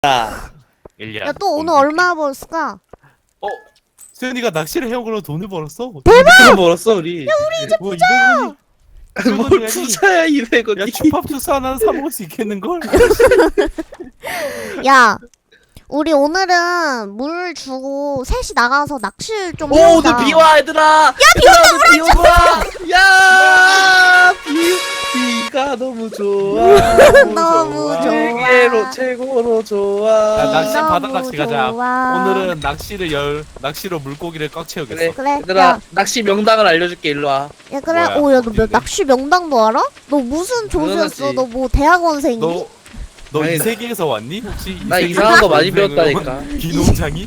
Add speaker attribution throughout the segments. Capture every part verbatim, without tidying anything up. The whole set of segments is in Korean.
Speaker 1: 일 년.
Speaker 2: 야, 또 오늘 얼마 벌었을까?
Speaker 1: 어? 수현이가 낚시를 해온 걸로 돈을 벌었어?
Speaker 3: 대박! 벌었어 우리. 야 우리 이제
Speaker 1: 뭐 이백 원이
Speaker 3: 뭘 부자야 이백 원.
Speaker 1: 야 힙합 주스 하나 사 먹을 수 있겠는걸?
Speaker 2: 야, 우리 오늘은 물 주고 셋이 나가서 낚시를 좀
Speaker 3: 오
Speaker 2: 해보자.
Speaker 3: 오늘 비와 얘들아. 야 비온다 비온다. 야 비, 비가 너무 좋아.
Speaker 2: 너무 좋아.
Speaker 3: 세계로 최고로 좋아.
Speaker 1: 야, 낚시
Speaker 2: 너무
Speaker 1: 바다 낚시 가자.
Speaker 2: 좋아.
Speaker 1: 오늘은 낚시를 열 낚시로 물고기를 꽉 채우겠어.
Speaker 3: 그래.
Speaker 2: 그래.
Speaker 3: 얘들아
Speaker 2: 야,
Speaker 3: 낚시 명당을 알려줄게 일로 와.
Speaker 2: 야 그래.
Speaker 1: 뭐야,
Speaker 2: 오, 야, 너 몇,
Speaker 1: 어딘데?
Speaker 2: 낚시 명당도 알아? 너 무슨 조수였어?
Speaker 3: 당연하지.
Speaker 2: 너 뭐 대학원생이니?
Speaker 1: 너 너
Speaker 3: 아니,
Speaker 1: 이 세계에서 왔니? 혹시 이
Speaker 3: 나
Speaker 1: 세계에서
Speaker 3: 이상한 거 많이
Speaker 1: 동생은
Speaker 3: 배웠다니까.
Speaker 1: 비농장이?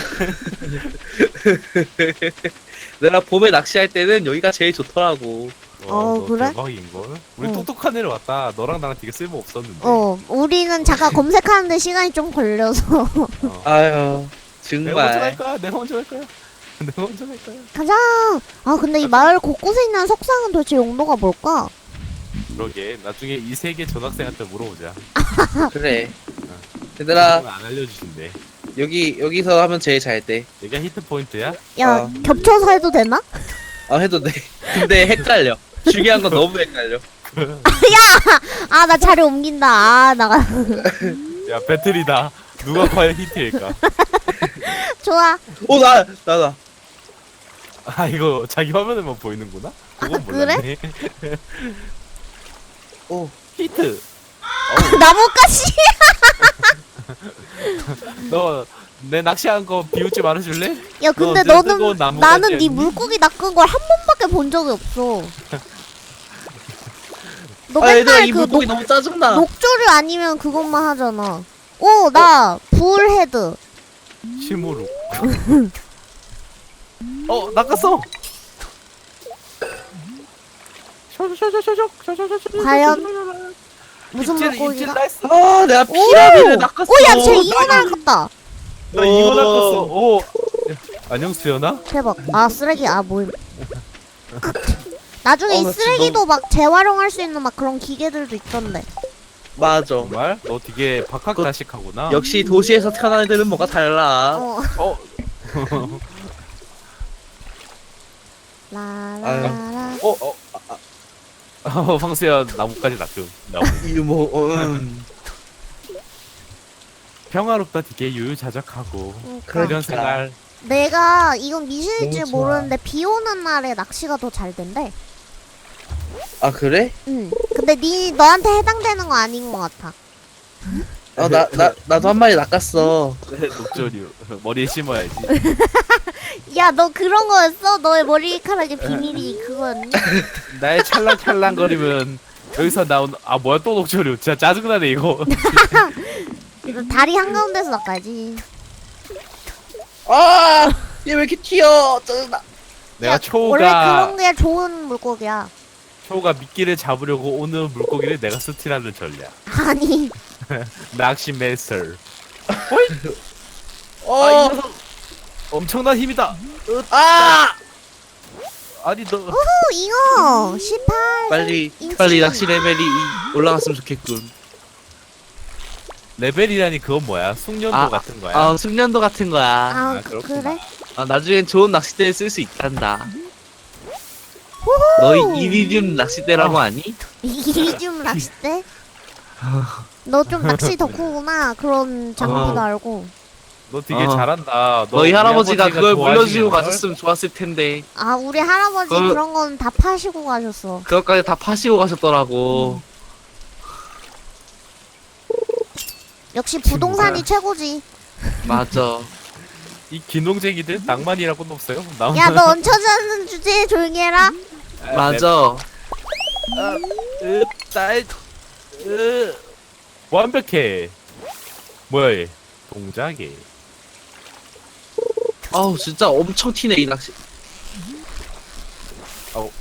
Speaker 3: 내가 봄에 낚시할 때는 여기가 제일 좋더라고.
Speaker 2: 어,
Speaker 1: 너
Speaker 2: 그래?
Speaker 1: 대박인걸? 우리
Speaker 2: 어.
Speaker 1: 똑똑한 애를 왔다. 너랑 나랑 되게 쓸모 없었는데.
Speaker 2: 어, 우리는 잠깐 검색하는데 시간이 좀 걸려서.
Speaker 1: 어.
Speaker 3: 아유
Speaker 1: 내가 먼저 갈
Speaker 3: 정말.
Speaker 1: 거야. 내가 먼저 갈 거야. 내가 먼저 갈 거야.
Speaker 2: 가자. 아, 근데 이 마을 곳곳에 있는 석상은 도대체 용도가 뭘까?
Speaker 1: 그러게. 나중에 이 세계 전학생한테 물어보자.
Speaker 3: 그래. 얘들아
Speaker 1: 그건 안 알려주신대.
Speaker 3: 여기 여기서 하면 제일 잘 돼.
Speaker 1: 여기가 히트 포인트야?
Speaker 2: 야,
Speaker 3: 어.
Speaker 2: 겹쳐서 해도 되나?
Speaker 3: 아 해도 돼. 근데 헷갈려. 중요한 건 너무 헷갈려.
Speaker 2: 아, 나 자리 옮긴다. 아, 나가.
Speaker 1: 야 배틀이다. 누가 과연 히트일까?
Speaker 2: 좋아.
Speaker 3: 오 나 나 나.
Speaker 1: 아 이거 자기 화면에만 보이는구나? 그건
Speaker 2: 아, 그래?
Speaker 1: 몰랐네.
Speaker 3: 오.
Speaker 1: 히트.
Speaker 2: 나뭇가시.
Speaker 1: 너 내 낚시한 거 비웃지 말아줄래?
Speaker 2: 야, 근데
Speaker 1: 너
Speaker 2: 너는
Speaker 1: 뜨거운 나뭇가지
Speaker 2: 나는 네
Speaker 1: 아니니?
Speaker 2: 물고기 낚은 걸 한 번밖에 본 적이 없어. 너
Speaker 3: 아 얘들아
Speaker 2: 맨날
Speaker 3: 이
Speaker 2: 그
Speaker 3: 물고기
Speaker 2: 녹,
Speaker 3: 너무 짜증나.
Speaker 2: 녹조류 아니면 그것만 하잖아. 오, 나 불헤드.
Speaker 1: 실무룩. 어 낚았어.
Speaker 2: 과연 무슨
Speaker 1: 입질, 입질
Speaker 2: 물고기가?
Speaker 1: 나이스.
Speaker 3: 아 내가
Speaker 2: 오!
Speaker 3: 피라미를 낚았어.
Speaker 2: 오, 야, 쟤 이거 낚았다.
Speaker 1: 나 이거
Speaker 3: 오.
Speaker 1: 낚았어. 오. 야, 안녕 수연아.
Speaker 2: 대박. 아, 쓰레기. 아, 뭐임. 나중에
Speaker 3: 어,
Speaker 2: 이
Speaker 3: 나 지금
Speaker 2: 쓰레기도 막 재활용할 수 있는 막 그런 기계들도 있던데.
Speaker 3: 맞아.
Speaker 1: 정말? 너 되게 박학다식하구나.
Speaker 3: 역시 도시에서 태어난 애들은 뭐가 달라.
Speaker 2: 어.
Speaker 1: 어.
Speaker 2: 라라라.
Speaker 1: 어. 어. 아, 아. 어, 황수연 나뭇가지 낚음. 나무.
Speaker 3: 이뭐 어, 음.
Speaker 1: 평화롭다 되게 유유자적하고
Speaker 2: 그러니까.
Speaker 1: 이런 생활.
Speaker 2: 내가 이건 미신일지
Speaker 3: 너무 좋아.
Speaker 2: 모르는데 비 오는 날에 낚시가 더 잘 된대.
Speaker 3: 아 그래?
Speaker 2: 응. 근데 니 너한테 해당되는 거 아닌 것 같아.
Speaker 3: 어 나 나 나도 한 마리 낚았어.
Speaker 1: 녹조류 머리에 심어야지.
Speaker 2: 야, 너 그런 거였어? 너의 머리카락의 비밀이 그거였니?
Speaker 1: 나의 찰랑찰랑거리면 여기서 나온 아 뭐야 또 녹조류. 진짜 짜증나네 이거.
Speaker 2: 너 다리 한가운데서 낚아야지.
Speaker 3: 아얘 왜 이렇게 튀어? 짜증나.
Speaker 1: 내가
Speaker 2: 야,
Speaker 1: 초우가
Speaker 2: 원래 그런 게 좋은 물고기야.
Speaker 1: 초우가 미끼를 잡으려고 오는 물고기를 내가 스틸하는 전략.
Speaker 2: 아니.
Speaker 1: 낚시 메스터.
Speaker 3: 어.
Speaker 1: 아, 이 녀석 엄청난 힘이다.
Speaker 3: 아!
Speaker 1: 아니 너
Speaker 2: 후, 잉어. 십팔.
Speaker 3: 빨리
Speaker 2: 인치.
Speaker 3: 빨리 낚시 레벨이 이- 올라갔으면 좋겠군.
Speaker 1: 레벨이라니 그건 뭐야? 숙련도
Speaker 3: 아,
Speaker 1: 같은 거야?
Speaker 3: 아 숙련도 같은 거야.
Speaker 2: 아,
Speaker 1: 아,
Speaker 2: 그,
Speaker 1: 그렇구나.
Speaker 2: 그래?
Speaker 3: 아 나중엔 좋은 낚싯대를 쓸 수 있단다.
Speaker 2: 후후.
Speaker 3: 너희 이리듐 낚싯대라고 아니?
Speaker 2: 이리듐 낚싯대? 너 좀 낚시 덕후구나. 그런 장비도
Speaker 3: 어.
Speaker 2: 알고.
Speaker 1: 너 되게
Speaker 3: 어.
Speaker 1: 잘한다. 너
Speaker 3: 너희
Speaker 1: 우리
Speaker 3: 할아버지가
Speaker 1: 아버지가
Speaker 3: 그걸
Speaker 1: 좋아하시는
Speaker 3: 물려주고
Speaker 1: 걸?
Speaker 3: 가셨으면 좋았을 텐데
Speaker 2: 아, 우리 할아버지
Speaker 3: 그-
Speaker 2: 그런 건 다 파시고 가셨어.
Speaker 3: 그것까지 다 파시고 가셨더라고.
Speaker 2: 역시 부동산이 최고지.
Speaker 3: 맞아.
Speaker 1: 이 기농쟁이들 낭만이라고는 없어요? 낭만.
Speaker 2: 야, 너 얹혀지는 주제에 조용히 해라.
Speaker 3: 맞아.
Speaker 1: 으, 딸, 으, 완벽해. 뭐야 얘? 동작이.
Speaker 3: 아우 진짜 엄청 튀네 이 낚시.
Speaker 1: 아우.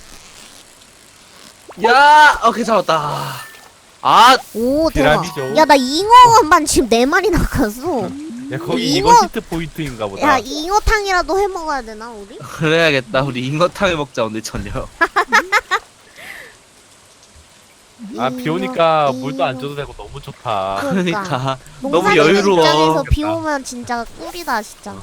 Speaker 3: 야, 오케이 잡았다. 아,
Speaker 2: 오, 대박.
Speaker 1: 피라미죠.
Speaker 2: 야, 나 잉어만 지금 네 마리 낚았어.
Speaker 1: 야 거기
Speaker 2: 이거-
Speaker 1: 이거 히트 포인트인가 보다.
Speaker 2: 야, 잉어탕이라도 해 먹어야 되나, 우리?
Speaker 3: 그래야겠다. 우리 잉어탕을 먹자 오늘 저녁.
Speaker 1: 아 비 오니까
Speaker 2: 이요,
Speaker 1: 물도 안
Speaker 2: 이요.
Speaker 1: 줘도 되고 너무 좋다.
Speaker 2: 그러니까.
Speaker 3: 그러니까 너무
Speaker 2: 농사짓는
Speaker 3: 여유로워.
Speaker 2: 입장에서 비 오면 진짜 꿀이다 진짜.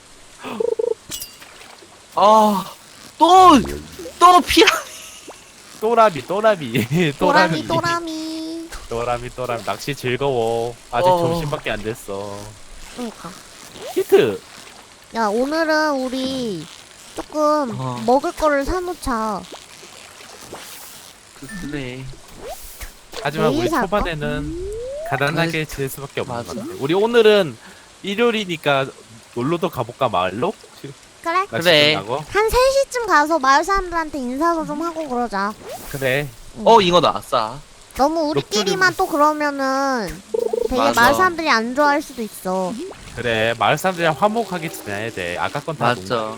Speaker 3: 아또또 피라.
Speaker 1: 또라미 또라미
Speaker 2: 또라미 또라미.
Speaker 1: 또라미 또라미 낚시 즐거워. 아직
Speaker 3: 어.
Speaker 1: 점심밖에 안 됐어.
Speaker 2: 그러니까.
Speaker 1: 히트.
Speaker 2: 야 오늘은 우리 조금
Speaker 3: 어.
Speaker 2: 먹을 거를 사놓자.
Speaker 3: 그래.
Speaker 1: 하지만
Speaker 2: 내일
Speaker 1: 우리
Speaker 2: 살까?
Speaker 1: 초반에는 가난하게 지낼 수밖에 없는
Speaker 3: 맞아.
Speaker 1: 것 같아. 우리 오늘은 일요일이니까 놀러도 가볼까 마을로?
Speaker 2: 그래?
Speaker 1: 낚시
Speaker 3: 그래.
Speaker 1: 끝나고?
Speaker 2: 한 세 시쯤 가서 마을 사람들한테 인사도 좀 하고 그러자.
Speaker 1: 그래.
Speaker 3: 어 잉어 나왔어.
Speaker 2: 너무 우리끼리만 또 그러면은 되게
Speaker 3: 맞아.
Speaker 2: 마을 사람들이 안 좋아할 수도 있어.
Speaker 1: 그래. 마을 사람들이랑 화목하게 지내야 돼. 아까 건 다
Speaker 3: 맞죠.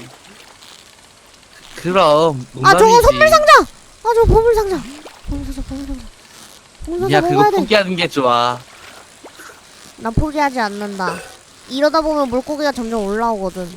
Speaker 3: 그럼
Speaker 2: 아 저거
Speaker 3: 농담이지.
Speaker 2: 선물 상자! 아 저거 보물 상자! 보물 상자 보물 상자. 보물 상자
Speaker 3: 야 그거
Speaker 2: 먹어야 돼.
Speaker 3: 포기하는 게 좋아.
Speaker 2: 난 포기하지 않는다. 이러다 보면 물고기가 점점 올라오거든.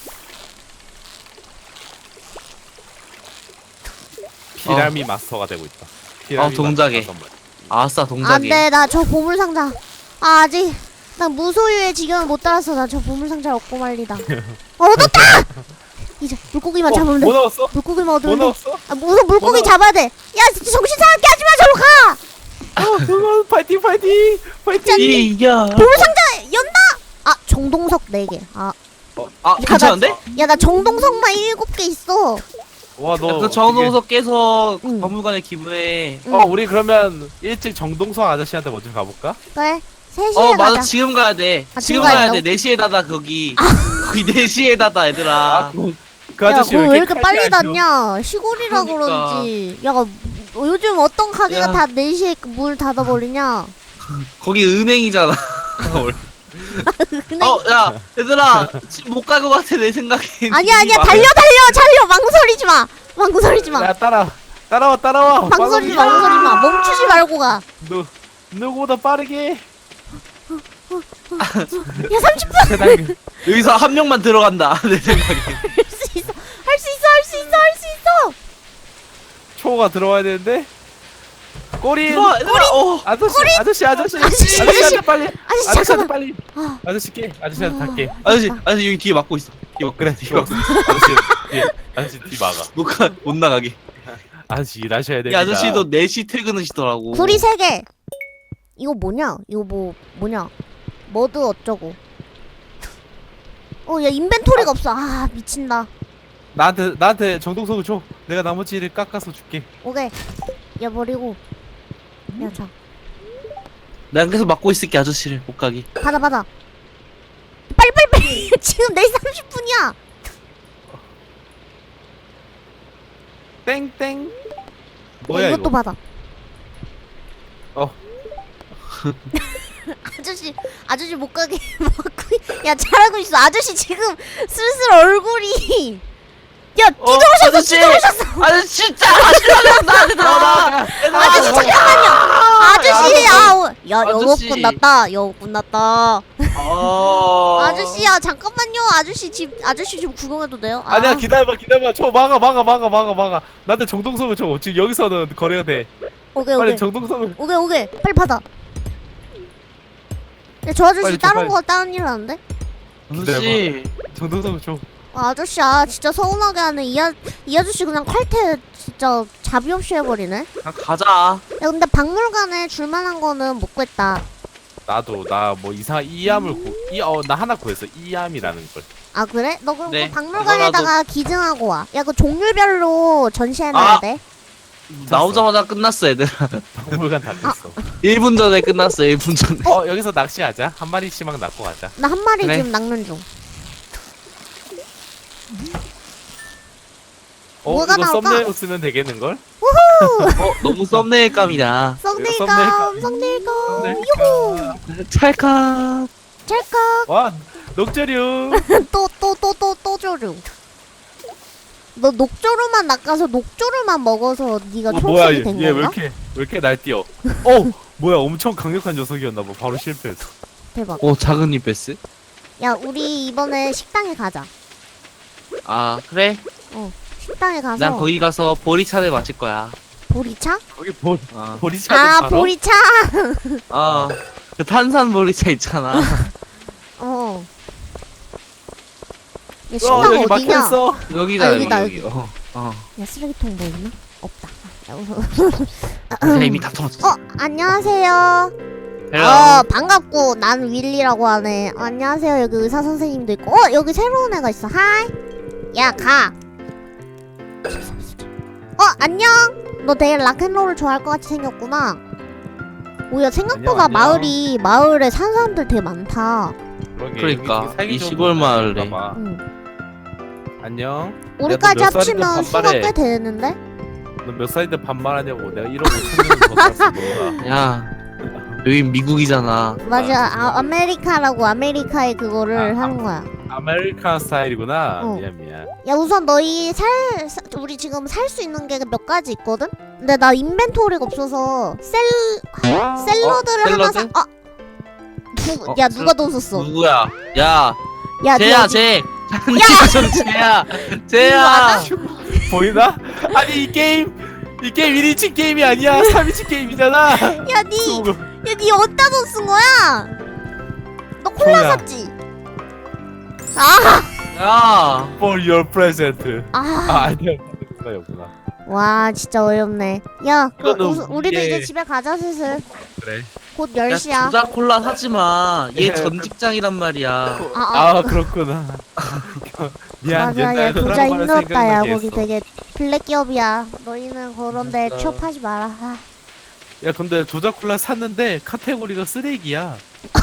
Speaker 1: 피라미 마스터가 되고 있다. 피라미
Speaker 3: 어, 동작에.
Speaker 1: 마스터 선물.
Speaker 3: 아싸 동작이.
Speaker 2: 안돼 나 저 보물 상자. 아 아직 난 무소유의 지경을 못 따라서 나 저 보물 상자를 얻고 말리다. 어, 얻었다! 이제 물고기만
Speaker 1: 어,
Speaker 2: 잡으면 돼.
Speaker 1: 뭐 넣었어?
Speaker 2: 물고기만
Speaker 1: 뭐
Speaker 2: 얻으면 돼.
Speaker 1: 넣었어?
Speaker 2: 아 무슨 물고기
Speaker 1: 뭐 넣어?
Speaker 2: 잡아야 돼. 야 진짜 정신 사납게 하지 마 저로 가.
Speaker 1: 어, 그거 파이팅 파이팅 파이팅.
Speaker 3: 이야.
Speaker 2: 보물 상자 연다. 아 정동석 네 개. 아
Speaker 3: 아 괜찮은데?
Speaker 2: 야 나 정동석만 일곱 개 있어.
Speaker 1: 와 너.
Speaker 3: 그 정동석 깨서
Speaker 2: 응.
Speaker 3: 박물관에 기부해.
Speaker 2: 응.
Speaker 1: 어 우리 그러면 일찍 정동석 아저씨한테 먼저 가볼까?
Speaker 2: 그래 세 시에
Speaker 3: 어
Speaker 2: 가자.
Speaker 3: 맞아 지금 가야 돼.
Speaker 2: 아,
Speaker 3: 지금
Speaker 2: 지금
Speaker 3: 가야
Speaker 2: 가야
Speaker 3: 돼. 네 시에 닫아 거기. 거기 네 시에 닫아 얘들아.
Speaker 1: 그, 그
Speaker 2: 야,
Speaker 1: 아저씨
Speaker 2: 그거 왜 이렇게 빨리
Speaker 1: 칼질 안 줘?
Speaker 2: 닫냐? 시골이라
Speaker 3: 그러니까.
Speaker 2: 그런지. 야, 뭐, 요즘 어떤 가게가
Speaker 3: 야.
Speaker 2: 다 네 시에 문 닫아버리냐?
Speaker 3: 거기 은행이잖아.
Speaker 2: 근데
Speaker 3: 어, 야, 얘들아, 지금 못 갈 것 같아, 내 생각엔.
Speaker 2: 아니야, 아니야, 달려, 달려, 달려! 망설이지 마! 망설이지 마!
Speaker 1: 야 따라 따라와 따라와.
Speaker 2: 망설이지 마, 망설이지 마! 멈추지 말고 가!
Speaker 1: 누 누구보다 빠르게.
Speaker 2: 야, 삼십 분!
Speaker 1: 세상에.
Speaker 3: 여기서 한 명만 들어간다, 내 생각엔.
Speaker 2: 할 수 있어! 할 수 있어! 할 수 있어! 할 수 있어!
Speaker 1: 초가 들어와야 되는데. 꼬리.
Speaker 3: 들어와, 얘들아, 어.
Speaker 1: 아저씨 아저씨 아저씨
Speaker 2: 아저씨,
Speaker 1: 아저씨한테
Speaker 2: 아저씨.
Speaker 1: 빨리.
Speaker 2: 아저씨,
Speaker 1: 아저씨한테
Speaker 2: 잠깐만!
Speaker 1: 빨리.
Speaker 2: 아,
Speaker 1: 아저씨 깨. 아저씨한테 탈게.
Speaker 3: 아저씨, 아저씨, 여기 뒤에 막고 있어. 뒤에 막고
Speaker 1: 그래.
Speaker 3: 뒤에
Speaker 1: 뒤에
Speaker 3: 막고.
Speaker 1: 아저씨 뒤에 아저씨 뒤 막아.
Speaker 3: 못 가, 못 나가게.
Speaker 1: 아저씨 일하셔야
Speaker 3: 이
Speaker 1: 됩니다.
Speaker 3: 아저씨도 네 시 퇴근하시더라고.
Speaker 2: 구리 세 개! 이거 뭐냐? 이거 뭐, 뭐냐? 머드 어쩌고. 어, 야, 인벤토리가 없어. 아, 미친다.
Speaker 1: 나한테 나한테 정동석을 줘. 내가 나머지를 깎아서 줄게.
Speaker 2: 오케이. 야, 버리고. 야, 자.
Speaker 3: 내가 계속 막고 있을게, 아저씨를. 못 가게.
Speaker 2: 받아 받아 빨리 빨리 빨리 지금 네 시 삼십 분이야
Speaker 1: 땡땡.
Speaker 2: 야,
Speaker 1: 뭐야
Speaker 2: 이것도
Speaker 1: 이거?
Speaker 2: 받아
Speaker 1: 어.
Speaker 2: 아저씨 아저씨 못 가게 막고 있- 야 잘하고 있어 아저씨 지금 슬슬 얼굴이 야
Speaker 3: 어,
Speaker 2: 뒤돌아셨어
Speaker 3: 아저씨!
Speaker 2: 뒤돌아셨어
Speaker 3: 아저씨, 진짜! 아저씨, 나한테 들어와!
Speaker 2: 아저씨 잠깐만요 아저씨 아야 영업
Speaker 3: 아저씨.
Speaker 2: 끝났다 영업 끝났다
Speaker 3: 어.
Speaker 2: 아저씨야 잠깐만요 아저씨 집 아저씨 집 구경해도 돼요? 아,
Speaker 1: 아니야 기다려봐 기다려봐. 저 막아 막아 막아 막아 막아. 나한테 정동석을 줘. 지금 여기서는 거래가 돼.
Speaker 2: 오케이
Speaker 1: 빨리
Speaker 2: 오케이
Speaker 1: 정동석을.
Speaker 2: 오케이 오케이 빨리 받아 야, 저 아저씨
Speaker 1: 빨리 줘,
Speaker 2: 다른
Speaker 1: 빨리.
Speaker 2: 거 다른 일 하는데?
Speaker 3: 아저씨.
Speaker 1: 정동석을 줘.
Speaker 2: 아, 아저씨 아 진짜 서운하게 하네 이, 아, 이 아저씨 그냥 칼퇴 진짜 자비 없이 해버리네
Speaker 3: 그냥 가자.
Speaker 2: 야 근데 박물관에 줄만한 거는 못 구했다
Speaker 1: 나도 나 뭐 이상 이암을 구이어나 하나 구했어. 이암이라는 걸.
Speaker 2: 아 그래? 너 그럼
Speaker 3: 네,
Speaker 2: 그 박물관에다가 기증하고 와야 그 종류별로 전시해놔야
Speaker 3: 아.
Speaker 2: 돼
Speaker 3: 나오자마자 끝났어, 얘들아.
Speaker 1: 박물관 다 됐어.
Speaker 3: 일 분 전에 끝났어, 일 분 전에.
Speaker 1: 어 여기서 낚시하자. 한 마리씩만 낚고 가자.
Speaker 2: 나 한 마리
Speaker 3: 그래.
Speaker 2: 지금 낚는 중
Speaker 1: 어
Speaker 2: 뭐가
Speaker 1: 이거
Speaker 2: 나올까?
Speaker 1: 썸네일 쓰면 되겠는 걸?
Speaker 3: 어, 너무 썸네일감이다.
Speaker 2: 썸네일감 썸네일감
Speaker 1: 썸네일.
Speaker 2: 유후
Speaker 3: 찰칵.
Speaker 2: 찰칵
Speaker 1: 와 녹조류.
Speaker 2: 또 또 또 또 또 조류 너 녹조류만 낚아서 녹조류만 먹어서 네가
Speaker 1: 어, 뭐야
Speaker 2: 초록색이
Speaker 1: 얘
Speaker 2: 된
Speaker 1: 왜
Speaker 2: 건가?
Speaker 1: 이렇게 왜 이렇게 날뛰어? 어 뭐야 엄청 강력한 녀석이었나 봐. 바로 실패했어.
Speaker 2: 대박
Speaker 3: 오, 작은 이베스?
Speaker 2: 야 우리 이번에 식당에 가자
Speaker 3: 아, 그래?
Speaker 2: 식당에 가서
Speaker 3: 난 거기 가서 보리차를 마실 거야.
Speaker 2: 보리차?
Speaker 1: 거기 보
Speaker 3: 아,
Speaker 1: 보리차도
Speaker 2: 아
Speaker 1: 팔어?
Speaker 2: 보리차.
Speaker 3: 아, 그 탄산 보리차 있잖아.
Speaker 2: 어. 야
Speaker 1: 어
Speaker 2: 식당
Speaker 1: 여기
Speaker 2: 어디냐?
Speaker 1: 막혀있어.
Speaker 3: 여기다
Speaker 2: 아,
Speaker 3: 여기
Speaker 2: 여기다,
Speaker 3: 여기.
Speaker 2: 여기.
Speaker 3: 어, 어.
Speaker 2: 야 쓰레기통 뭐 있나? 없다.
Speaker 3: 내가 이미 다 털었어.
Speaker 2: 어 안녕하세요.
Speaker 3: 헬로.
Speaker 2: 어 반갑고 난 윌리라고 하네. 어, 안녕하세요. 여기 의사 선생님도 있고. 어 여기 새로운 애가 있어. 하이. 야 가. 어 안녕. 너 되게 락앤롤을 좋아할 것 같이 생겼구나. 오야 생각보다
Speaker 1: 안녕, 안녕.
Speaker 2: 마을이 마을에 사는 사람들 되게 많다.
Speaker 1: 그러게,
Speaker 3: 그러니까,
Speaker 1: 여기 살기
Speaker 3: 이
Speaker 1: 좋은
Speaker 3: 시골
Speaker 1: 곳
Speaker 3: 마을에.
Speaker 1: 아닌가 봐.
Speaker 2: 응.
Speaker 1: 안녕.
Speaker 2: 우리까지
Speaker 1: 몇 살인데
Speaker 2: 합치면 수가
Speaker 1: 반말해.
Speaker 2: 꽤 되는데?
Speaker 1: 너 몇 살인데 반말하냐고. 내가 일억 오천명더 살았어 너가.
Speaker 3: 야, 여기 미국이잖아.
Speaker 2: 맞아. 아, 아메리카라고 아메리카의 그거를
Speaker 1: 아,
Speaker 2: 하는 거야.
Speaker 1: 아메리칸 스타일이구나.
Speaker 2: 어.
Speaker 1: 미안 미안.
Speaker 2: 야 우선 너희 살, 사- 우리 지금 살 수 있는 게 몇 가지 있거든? 근데 나 인벤토리가 없어서 셀 샐러드를
Speaker 3: 어?
Speaker 2: 하나 사.
Speaker 3: 샐러드?
Speaker 2: 아, 누,
Speaker 3: 어,
Speaker 2: 야
Speaker 3: 샐-
Speaker 2: 누가 너 줬어?
Speaker 3: 누구야? 야,
Speaker 2: 야,
Speaker 3: 쟤야,
Speaker 2: 너
Speaker 3: 쟤. 장난치좀 쟤야, 쟤야.
Speaker 1: 보이나? 아니 이 게임 이 게임 일 인칭 게임이 아니야. 삼 인칭 게임이잖아.
Speaker 2: 야, 니, 야, 니 어디다 돈 쓴 거야? 너 콜라
Speaker 1: 뭐야?
Speaker 2: 샀지? 아,
Speaker 3: 야,
Speaker 1: For your present. 아
Speaker 2: 아,
Speaker 1: 아니야. 그거였구나.
Speaker 2: 와, 진짜 어이없네. 야, 그럼
Speaker 1: 이거는
Speaker 2: 우스- 우리도
Speaker 1: 이게-
Speaker 2: 이제 집에 가자 슬슬.
Speaker 1: 그래.
Speaker 2: 곧
Speaker 3: 야,
Speaker 2: 열 시야.
Speaker 3: 조작 콜라 사지 마. 얘
Speaker 1: 예.
Speaker 3: 전 직장이란 말이야.
Speaker 2: 아,
Speaker 1: 아,
Speaker 2: 아.
Speaker 1: 그렇구나. 미안.
Speaker 2: 맞아, 야,
Speaker 1: 옛날
Speaker 2: 부자
Speaker 1: 드라마를
Speaker 2: 힘들었다, 야,
Speaker 1: 생각나게
Speaker 2: 거기
Speaker 1: 했어.
Speaker 2: 되게 블랙 기업이야. 너희는 그런데
Speaker 3: 맞아.
Speaker 2: 취업하지 마라. 아.
Speaker 1: 야 근데 조작 콜라 샀는데 카테고리가 쓰레기야.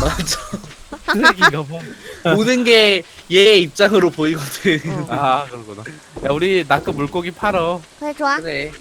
Speaker 3: 맞아.
Speaker 1: 쓰레기인가 봐.
Speaker 3: 모든 게 얘 입장으로 보이거든.
Speaker 2: 어.
Speaker 1: 아 그러구나. 야 우리 나그 물고기 팔어.
Speaker 2: 그래, 좋아.
Speaker 3: 그래.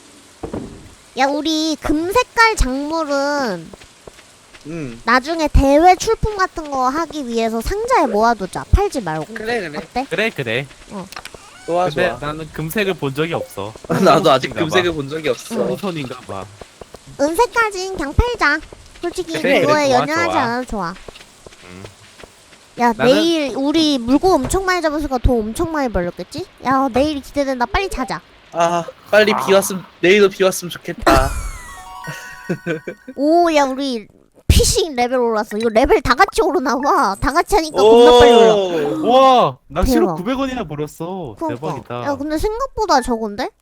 Speaker 2: 야, 우리 금색깔 작물은
Speaker 3: 응.
Speaker 2: 나중에 대회 출품 같은 거 하기 위해서 상자에 모아두자. 팔지 말고.
Speaker 3: 그래 그래.
Speaker 2: 어때?
Speaker 1: 그래 그래.
Speaker 3: 좋아
Speaker 1: 근데
Speaker 3: 좋아.
Speaker 1: 나는 금색을 본 적이 없어.
Speaker 3: 나도 아직
Speaker 1: 홍손인가
Speaker 3: 금색을
Speaker 1: 봐.
Speaker 3: 본 적이 없어.
Speaker 1: 홍손인가 봐.
Speaker 2: 은색까진 그냥 팔자. 솔직히
Speaker 1: 그래,
Speaker 2: 그거에
Speaker 1: 그래, 좋아,
Speaker 2: 연연하지
Speaker 1: 좋아.
Speaker 2: 않아도 좋아.
Speaker 1: 음.
Speaker 2: 야,
Speaker 1: 나는-
Speaker 2: 내일 우리 물고 엄청 많이 잡았으니까 돈 엄청 많이 벌렸겠지? 야, 내일 기대된다. 빨리 자자.
Speaker 3: 아 빨리 비
Speaker 1: 아.
Speaker 3: 왔으면 내일도 비 왔으면 좋겠다.
Speaker 2: 오, 야, 우리 피싱 레벨 올랐어. 이거 레벨 다 같이 오르나 봐. 다 같이 하니까 겁나 빨리 올라.
Speaker 3: 오.
Speaker 1: 와 낚시로
Speaker 2: 대박.
Speaker 1: 구백 원이나 벌었어.
Speaker 2: 그러니까.
Speaker 1: 대박이다.
Speaker 2: 야, 근데 생각보다 적은데?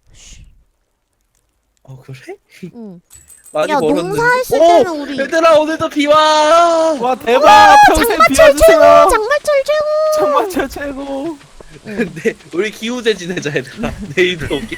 Speaker 3: 어 그래?
Speaker 2: 응.
Speaker 3: 많이
Speaker 2: 야,
Speaker 3: 벌었는데.
Speaker 2: 농사했을
Speaker 3: 오!
Speaker 2: 때는 우리
Speaker 3: 얘들아 오늘도 비 와.
Speaker 1: 와 대박. 평생
Speaker 2: 장마철
Speaker 1: 비와주세요.
Speaker 2: 최고! 장마철 최고!
Speaker 1: 장마철 최고.
Speaker 3: 근데 우리 기우제 지내자 얘들아. 내일도 오게.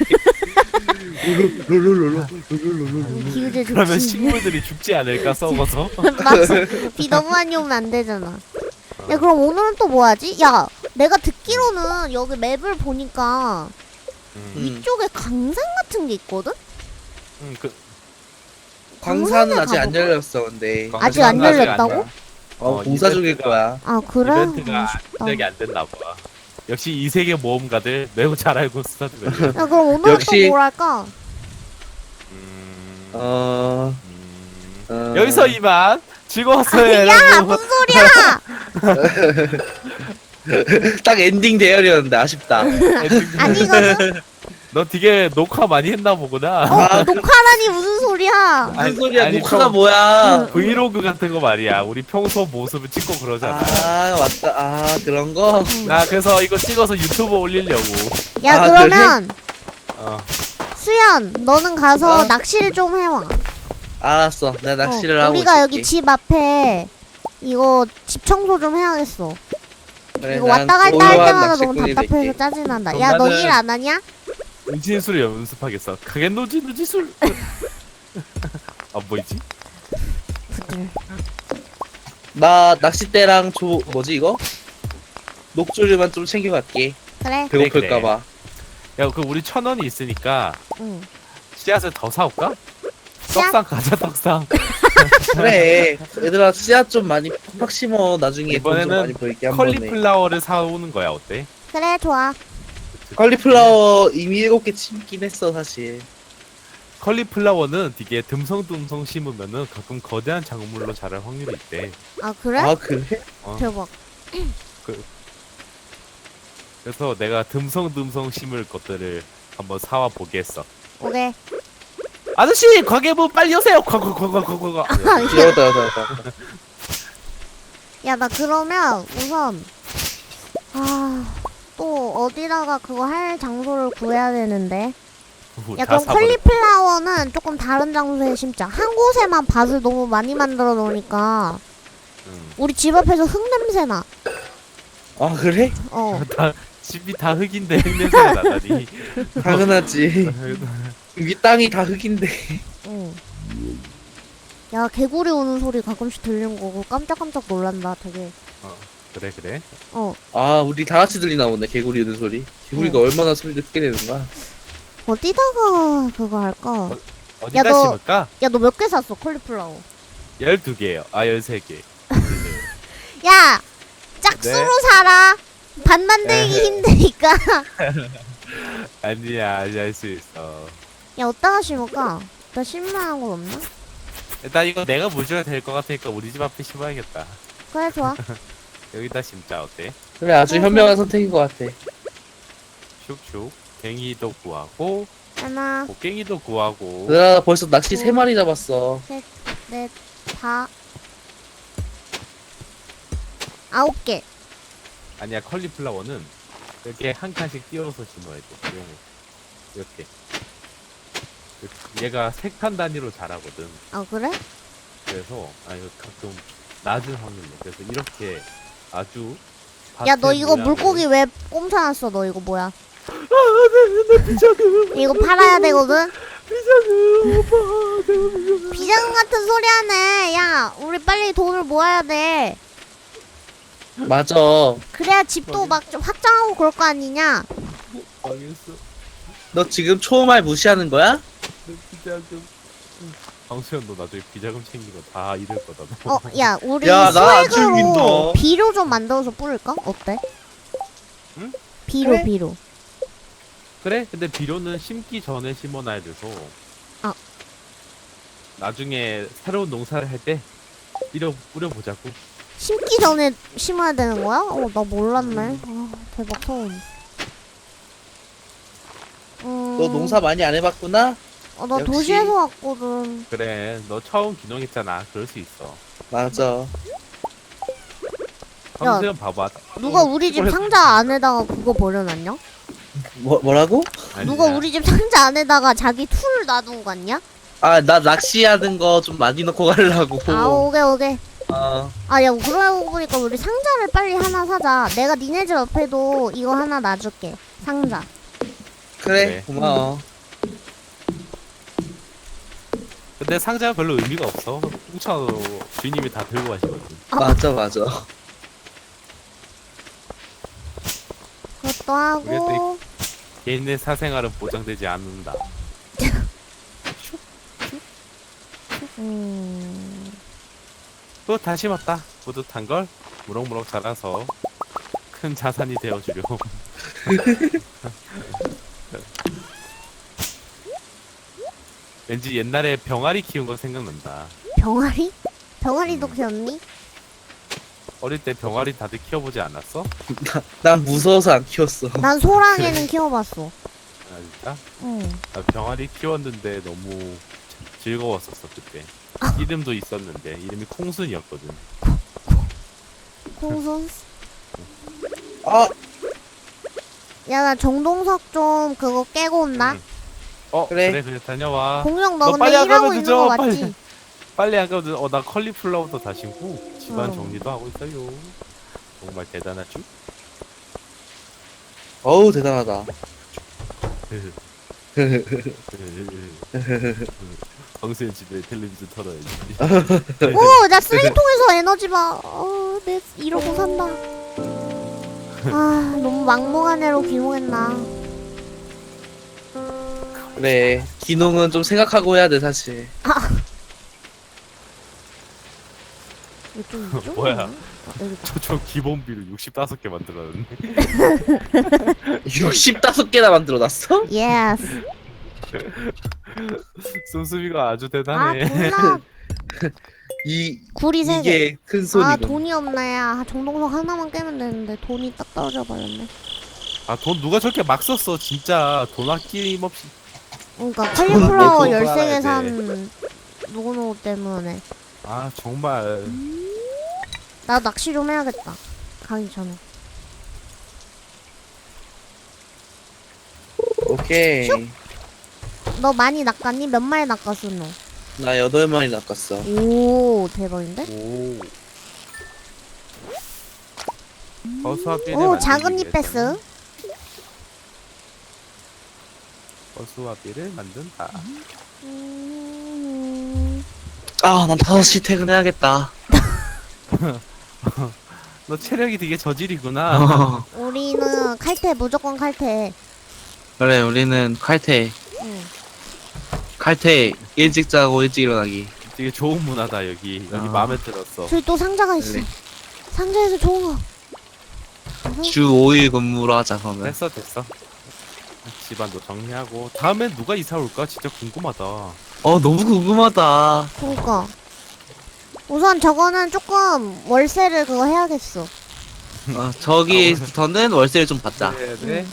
Speaker 3: 롤롤롤롤.
Speaker 2: 기우제 좋지.
Speaker 1: 그러면 식물들이 죽지 않을까 썩어서.
Speaker 2: 맞아. 비 너무 많이 오면 안 되잖아. 야, 그럼 오늘은 또 뭐 하지? 야, 내가 듣기로는 여기 맵을 보니까
Speaker 1: 음,
Speaker 3: 음.
Speaker 2: 이쪽에 강산 같은 게 있거든?
Speaker 1: 음, 그,
Speaker 3: 광산은 아직 안
Speaker 2: 가볼까?
Speaker 3: 열렸어 근데.
Speaker 2: 아직 안
Speaker 1: 광산은
Speaker 2: 열렸다고?
Speaker 1: 안 열-
Speaker 3: 어
Speaker 1: 어,
Speaker 3: 공사 중일
Speaker 1: 이벤트가-
Speaker 3: 거야.
Speaker 2: 아, 그래?
Speaker 1: 이벤트가
Speaker 2: 아, 쉽다.
Speaker 1: 시작이 안 됐나 봐. 역시 이 세계 모험가들 매우 잘 알고 스타트를.
Speaker 2: 야, 그럼 오늘은
Speaker 3: 역시-
Speaker 2: 또 뭘 할까?
Speaker 1: 음,
Speaker 3: 어.
Speaker 1: 음.
Speaker 3: 어...
Speaker 1: 여기서 이만 즐거웠어요
Speaker 2: 야,
Speaker 1: 여러분.
Speaker 2: 무슨 소리야!
Speaker 3: 딱 엔딩 대열이었는데 아쉽다.
Speaker 2: 아니거든?
Speaker 1: 너 되게 녹화 많이 했나 보구나.
Speaker 2: 어, 녹화라니 무슨 소리야!
Speaker 3: 무슨
Speaker 1: 아니,
Speaker 3: 소리야?
Speaker 1: 아니,
Speaker 3: 녹화가
Speaker 1: 좀-
Speaker 3: 뭐야?
Speaker 1: 브이로그 같은 거 말이야. 우리 평소 모습을 찍고 그러잖아.
Speaker 3: 아 맞다. 아 그런 거.
Speaker 1: 나 그래서 이거 찍어서 유튜브 올리려고.
Speaker 2: 야,
Speaker 3: 아,
Speaker 2: 그러면
Speaker 1: 어.
Speaker 2: 수연, 너는 가서
Speaker 3: 어?
Speaker 2: 낚시를 좀 해와.
Speaker 3: 알았어. 내가 낚시를
Speaker 2: 어,
Speaker 3: 하고
Speaker 2: 우리가
Speaker 3: 있을게.
Speaker 2: 여기 집 앞에 이거 집 청소 좀 해야겠어.
Speaker 3: 그래,
Speaker 2: 이거
Speaker 3: 난
Speaker 2: 왔다 갔다 할
Speaker 3: 고요한
Speaker 2: 때마다 너무
Speaker 3: 낚시꾼이
Speaker 2: 답답해서
Speaker 3: 될게.
Speaker 2: 짜증난다.
Speaker 1: 그럼
Speaker 2: 야, 너
Speaker 1: 나는-
Speaker 2: 일 안 하냐?
Speaker 1: 은진술 연습하겠어. 가겐노지 누지술. 아 뭐지?
Speaker 2: 부들.
Speaker 3: 나 낚싯대랑 조 뭐지 이거? 녹조류만 좀 챙겨갈게.
Speaker 2: 그래.
Speaker 1: 그래,
Speaker 3: 배고플까봐.
Speaker 1: 야, 그 우리 천 원이 있으니까
Speaker 2: 응.
Speaker 1: 씨앗을 더 사올까?
Speaker 2: 씨앗?
Speaker 1: 떡상 가자 떡상.
Speaker 3: 그래. 얘들아 씨앗 좀 많이 팍팍 심어. 나중에 돈 좀
Speaker 1: 이번에는
Speaker 3: 많이 벌게 한 번에.
Speaker 1: 컬리플라워를 사오는 거야 어때?
Speaker 2: 그래, 좋아.
Speaker 3: 컬리플라워 이미 일곱 개 심긴 했어 사실.
Speaker 1: 컬리플라워는 되게 듬성듬성 심으면은 가끔 거대한 작물로 자랄 확률이 있대.
Speaker 2: 아, 그래?
Speaker 3: 아 그래?
Speaker 1: 어.
Speaker 2: 대박.
Speaker 1: 그래서 내가 듬성듬성 심을 것들을 한번 사와 보겠어.
Speaker 2: 오케이.
Speaker 1: 아저씨 가게부 빨리 오세요. 과과과과과과.
Speaker 2: 아, 야,
Speaker 3: 귀여웠다 여다.
Speaker 2: 야, 나 그러면 우선 아, 또 어디다가 그거 할 장소를 구해야 되는데. 야, 그럼 컬리플라워는 조금 다른 장소에 심자. 한 곳에만 밭을 너무 많이 만들어 놓으니까
Speaker 1: 응.
Speaker 2: 우리 집 앞에서 흙 냄새 나.
Speaker 3: 아 그래?
Speaker 2: 어.
Speaker 1: 다 집이 다 흙인데 흙 냄새가 나다니.
Speaker 3: 당연하지. 여기 땅이 다 흙인데.
Speaker 2: 응. 야, 개구리 우는 소리 가끔씩 들리는 거고 깜짝깜짝 놀란다, 되게.
Speaker 1: 어, 그래 그래.
Speaker 2: 어.
Speaker 3: 아 우리 다 같이 들리나 보네 개구리 우는 소리. 개구리가
Speaker 2: 어.
Speaker 3: 얼마나 소리를 크게 내는 거야?
Speaker 2: 어디다가 그거 할까?
Speaker 1: 어디다
Speaker 2: 너-
Speaker 1: 심을까?
Speaker 2: 야, 너 몇 개 샀어, 콜리플라워?
Speaker 1: 열두 개요. 아 열세 개.
Speaker 2: 야! 짝수로 사라! 밭 만들기
Speaker 1: 에헤.
Speaker 2: 힘드니까.
Speaker 1: 아니야 아니야 할 수 있어.
Speaker 2: 야, 어디다가 심을까? 나 심만한 건 없나?
Speaker 1: 일단 이거 내가 물줘야 될 것 같으니까 우리 집 앞에 심어야겠다.
Speaker 2: 그래, 좋아.
Speaker 1: 여기다 심자 어때?
Speaker 3: 그래 아주 현명한 선택인 것 같아.
Speaker 1: 슉슉. 갱이도 구하고
Speaker 2: 하나,
Speaker 1: 곡괭이도 구하고.
Speaker 3: 나 벌써 낚시 세 마리 잡았어.
Speaker 2: 넷, 다. 아홉 개.
Speaker 1: 아니야 컬리플라워는 이렇게 한 칸씩 띄워서 심어야 돼. 이런 거. 이렇게. 얘가 세 칸 단위로 자라거든.
Speaker 2: 아, 그래?
Speaker 1: 그래서 아 이거 가끔 낮은 확률로. 그래서 이렇게 아주.
Speaker 2: 야, 너
Speaker 1: 밭의
Speaker 2: 이거
Speaker 1: 모양으로-
Speaker 2: 물고기 왜 꼼사놨어? 너 이거 뭐야?
Speaker 1: 나 비자금.
Speaker 2: 이거 팔아야 되거든?
Speaker 1: 비자금 오빠. 내가 비자금.
Speaker 2: 비자금 같은 소리 하네. 야, 우리 빨리 돈을 모아야 돼.
Speaker 3: 맞아.
Speaker 2: 그래야 집도 막 좀 확장하고 그럴 거 아니냐?
Speaker 1: 망했어.
Speaker 3: 너 지금 초말 무시하는 거야?
Speaker 1: 내 비자금. 방수현 너 나중에 비자금 챙기고 다 잃을 거다. 너.
Speaker 2: 어, 야, 우리
Speaker 3: 야, 나안
Speaker 2: 수액으로
Speaker 3: 챙긴다.
Speaker 2: 비료 좀 만들어서 뿌릴까? 어때?
Speaker 1: 응?
Speaker 2: 비료,
Speaker 3: 그래?
Speaker 2: 비료.
Speaker 1: 그래? 근데 비료는 심기 전에 심어놔야 돼서.
Speaker 2: 아.
Speaker 1: 나중에 새로운 농사를 할 때 뿌려 뿌려보자고.
Speaker 2: 심기 전에 심어야 되는 거야? 어, 나 몰랐네. 아, 대박 소음. 음,
Speaker 3: 너 농사 많이 안 해봤구나?
Speaker 2: 어, 나
Speaker 3: 역시.
Speaker 2: 도시에서 왔거든.
Speaker 1: 그래, 너 처음 귀농했잖아. 그럴 수 있어.
Speaker 3: 맞아.
Speaker 1: 방수현 봐봐.
Speaker 2: 누가
Speaker 1: 어,
Speaker 2: 우리 집
Speaker 1: 시골에-
Speaker 2: 상자 안에다가 그거 버려놨냐?
Speaker 3: 뭐 뭐라고?
Speaker 2: 누가
Speaker 1: 아니야.
Speaker 2: 우리 집 상자 안에다가 자기 툴 놔두고 갔냐?
Speaker 3: 아 나 낚시하는 거 좀 많이 넣고 가려고.
Speaker 2: 아, 오게, 오게.
Speaker 3: 어.
Speaker 2: 아, 야, 그러고 보니까 우리 상자를 빨리 하나 사자. 내가 니네 집 옆에도 이거 하나 놔줄게. 상자.
Speaker 3: 그래
Speaker 1: 그래.
Speaker 3: 고마워.
Speaker 1: 근데 상자가 별로 의미가 없어. 뭉쳐도 주인님이 다 들고 가시거든.
Speaker 3: 맞아 맞아.
Speaker 2: 그것도 하고.
Speaker 1: 개인의 사생활은 보장되지 않는다.
Speaker 2: 음.
Speaker 1: 또 다시 맞다. 뿌듯한 걸 무럭무럭 자라서 큰 자산이 되어주려. 왠지 옛날에 병아리 키운 거 생각난다.
Speaker 2: 병아리? 병아리도
Speaker 1: 음.
Speaker 2: 키웠니?
Speaker 1: 어릴 때 병아리 다들 키워보지 않았어?
Speaker 3: 난 무서워서 안 키웠어.
Speaker 2: 난 소랑이는 키워봤어.
Speaker 1: 아 진짜?
Speaker 2: 응.
Speaker 1: 나 병아리 키웠는데 너무 즐거웠었어 그때. 이름도 있었는데 이름이 콩순이었거든.
Speaker 2: 콩순.
Speaker 3: 아
Speaker 2: 야, 나 정동석 좀 그거 깨고 온다.
Speaker 1: 응. 어
Speaker 3: 그래.
Speaker 1: 그래 그래, 다녀와.
Speaker 2: 공룡 너
Speaker 1: 너
Speaker 2: 근데
Speaker 1: 빨리 안
Speaker 2: 일하고
Speaker 1: 가면
Speaker 2: 있는
Speaker 1: 늦어,
Speaker 2: 거
Speaker 1: 빨리.
Speaker 2: 맞지?
Speaker 1: 빨리 안 가면 어 나 컬리플라워도 다 심고 집안
Speaker 2: 어.
Speaker 1: 정리도 하고 있어요. 정말 대단하죠?
Speaker 3: 어우 대단하다.
Speaker 1: 방수현 집에 텔레비전 털어야지.
Speaker 2: 오, 나 쓰레기통에서 에너지 봐. 어, 내 이러고 산다. 아, 너무 막무가내로 귀농했나.
Speaker 3: 그래 기농은 좀 생각하고 해야 돼 사실.
Speaker 2: 이거 좀 이쪽이네.
Speaker 1: 뭐야?
Speaker 2: 아, 여기
Speaker 1: 저, 저 기본비로 육십오 개 만들었는데.
Speaker 3: 육십오 개나 만들어놨어?
Speaker 2: 예스.
Speaker 1: 씀씀이가 아주
Speaker 2: 아,
Speaker 1: 대단해.
Speaker 2: 몰라.
Speaker 3: 이
Speaker 2: 구리 세 개.
Speaker 3: 이게 큰 소리군.
Speaker 2: 아, 돈이 없네. 야, 정동석 하나만 깨면 되는데 돈이 딱 떨어져 버렸네.
Speaker 1: 아 돈 누가 저렇게 막 썼어 진짜. 돈 아낌없이.
Speaker 2: 그러니까 칼리플라워
Speaker 1: 음,
Speaker 2: 열세 개
Speaker 1: 팔아야
Speaker 2: 산 누구누구 때문에.
Speaker 1: 아 정말
Speaker 2: 나 낚시 좀 해야겠다. 가기 전에.
Speaker 3: 오케이.
Speaker 2: 슉. 너 많이 낚았니? 몇 마리 낚았어 너?
Speaker 3: 나 여덟 마리 낚았어.
Speaker 2: 오 대박인데?
Speaker 1: 오. 버스와비를
Speaker 2: 오
Speaker 1: 만들기
Speaker 2: 작은 잎
Speaker 1: 위해서는
Speaker 2: 패스.
Speaker 1: 버스와비를 만든다.
Speaker 2: 음...
Speaker 3: 아, 난 다섯 시 퇴근해야겠다.
Speaker 1: 너 체력이 되게 저질이구나.
Speaker 3: 어,
Speaker 2: 우리는 칼퇴 무조건 칼퇴.
Speaker 3: 그래, 우리는 칼퇴.
Speaker 2: 응.
Speaker 3: 칼퇴 일찍 자고 일찍 일어나기.
Speaker 1: 되게 좋은 문화다 여기. 여기
Speaker 3: 아.
Speaker 1: 마음에 들었어.
Speaker 2: 저기 또 상자가 있어.
Speaker 3: 그래.
Speaker 2: 상자에서 좋은 거.
Speaker 3: 주 오 일 근무로 하자, 그러면.
Speaker 1: 됐어 됐어. 집안도 정리하고 다음엔 누가 이사 올까 진짜 궁금하다.
Speaker 3: 어, 너무 궁금하다.
Speaker 2: 그니까. 우선 저거는 조금 월세를 그거 해야겠어.
Speaker 3: 어, 저기부터는 월세를 좀 받자.
Speaker 1: 그래야 돼.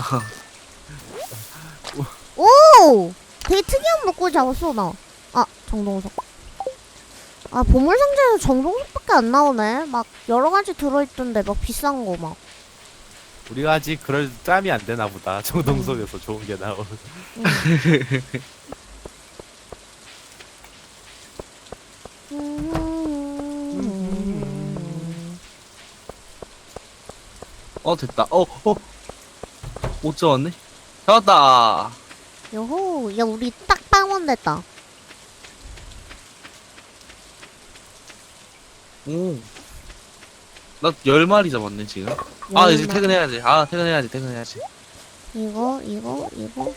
Speaker 2: 오! 되게 특이한 목걸 잡았어 나. 아 정동석. 아 보물 상자에서 정동석밖에 안 나오네. 막 여러 가지 들어있던데 막 비싼 거 막.
Speaker 1: 우리가 아직 그럴 짬이 안 되나 보다. 정동석에서 좋은 게 나오는.
Speaker 2: 응. 음.
Speaker 3: 어, 됐다. 어, 어. 못 잡았네? 잡았다.
Speaker 2: 요호, 야 우리 딱 빵원 됐다.
Speaker 3: 오. 나 열 마리 잡았네, 지금. 아, 이제
Speaker 2: 얼마?
Speaker 3: 퇴근해야지. 아, 퇴근해야지, 퇴근해야지.
Speaker 2: 이거 이거 이거.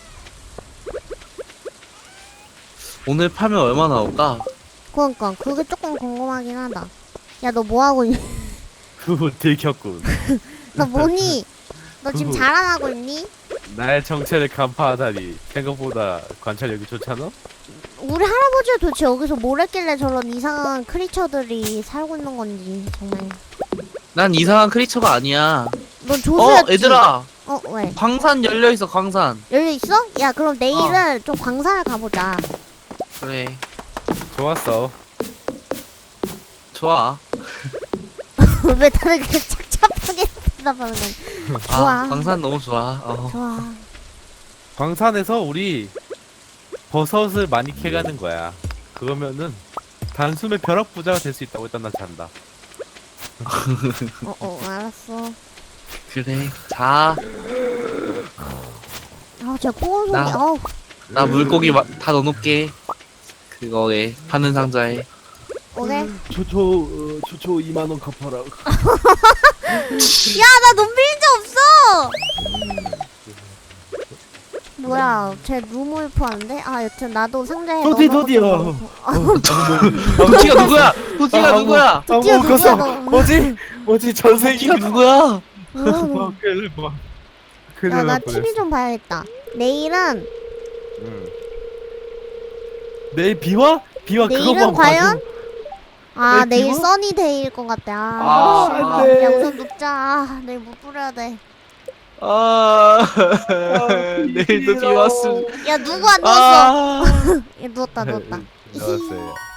Speaker 3: 오늘 팔면 얼마 나올까?
Speaker 2: 그러니까 그게 조금 궁금하긴 하다. 야 너 뭐 하고 있니?
Speaker 1: 그거 들켰군.
Speaker 2: 너 뭐니? 너 지금
Speaker 1: 그거-
Speaker 2: 자랑하고 있니?
Speaker 1: 나의 정체를 간파하다니 생각보다 관찰력이 좋잖아?
Speaker 2: 우리 할아버지가 도대체 여기서 뭘 했길래 저런 이상한 크리처들이 살고 있는 건지 정말.
Speaker 3: 난 이상한 크리처가 아니야.
Speaker 2: 넌
Speaker 3: 어,
Speaker 2: 조수였지?
Speaker 3: 얘들아.
Speaker 2: 어 왜?
Speaker 3: 광산 열려있어, 광산.
Speaker 2: 열려 있어? 야 그럼 내일은 좀 광산을 가보자.
Speaker 3: 그래.
Speaker 1: 좋았어.
Speaker 3: 좋아.
Speaker 2: 왜 다들 그렇게 착잡하게 대답하는 거야? 좋아.
Speaker 3: 아, 광산 너무 좋아. 어.
Speaker 2: 좋아.
Speaker 1: 광산에서 우리 버섯을 많이 캐가는 거야. 그러면은 단숨에 벼락 부자가 될 수 있다고 일단 난 잔다.
Speaker 2: 어어 알았어.
Speaker 3: 그래. 자,
Speaker 2: 아 제가 뽀글 소리.
Speaker 3: 나-
Speaker 2: 아우.
Speaker 3: 나 물고기 마, 다 넣어놓게. 그거에, 파는 상자에.
Speaker 2: 오케이.
Speaker 1: 초초 어, 초초 이만 원 갚아라.
Speaker 2: 야 나 돈 빌린 적 없어. 뭐야 쟤 루물프 하는데? 아 여튼 나도 상자에
Speaker 1: 도디,
Speaker 2: 넣어놓고
Speaker 1: 도디요.
Speaker 2: 좀
Speaker 3: 도티가 누구야? 도티가
Speaker 1: 아,
Speaker 3: 누구야?
Speaker 2: 드디어
Speaker 1: 아무
Speaker 2: 누구야,
Speaker 1: कस어.
Speaker 2: 너.
Speaker 1: 뭐지? 뭐지 전생이
Speaker 3: 도티가 누구야?
Speaker 2: 넣어.
Speaker 1: 뭐 큰일 뭐 큰일
Speaker 2: 야나
Speaker 1: 날
Speaker 2: 티비
Speaker 1: 뻔했어.
Speaker 2: 좀 봐야겠다. 내일은
Speaker 1: 응. 내일 비와? 비와
Speaker 2: 내일은
Speaker 1: 그거만
Speaker 2: 과연?
Speaker 1: 봐도.
Speaker 2: 아
Speaker 1: 내일
Speaker 2: 내일
Speaker 1: 비와?
Speaker 2: 써니데이일 것 같아. 아,
Speaker 3: 아,
Speaker 2: 씨발.
Speaker 1: 안 돼.
Speaker 2: 야 우선 눕자. 아, 내일 못 부려야 돼.
Speaker 3: 아,
Speaker 1: 아,
Speaker 3: 내일도 비 왔음.
Speaker 2: 야 누구 안 누웠어?
Speaker 3: 아.
Speaker 2: 야 누웠다 누웠다.
Speaker 1: 나왔어요.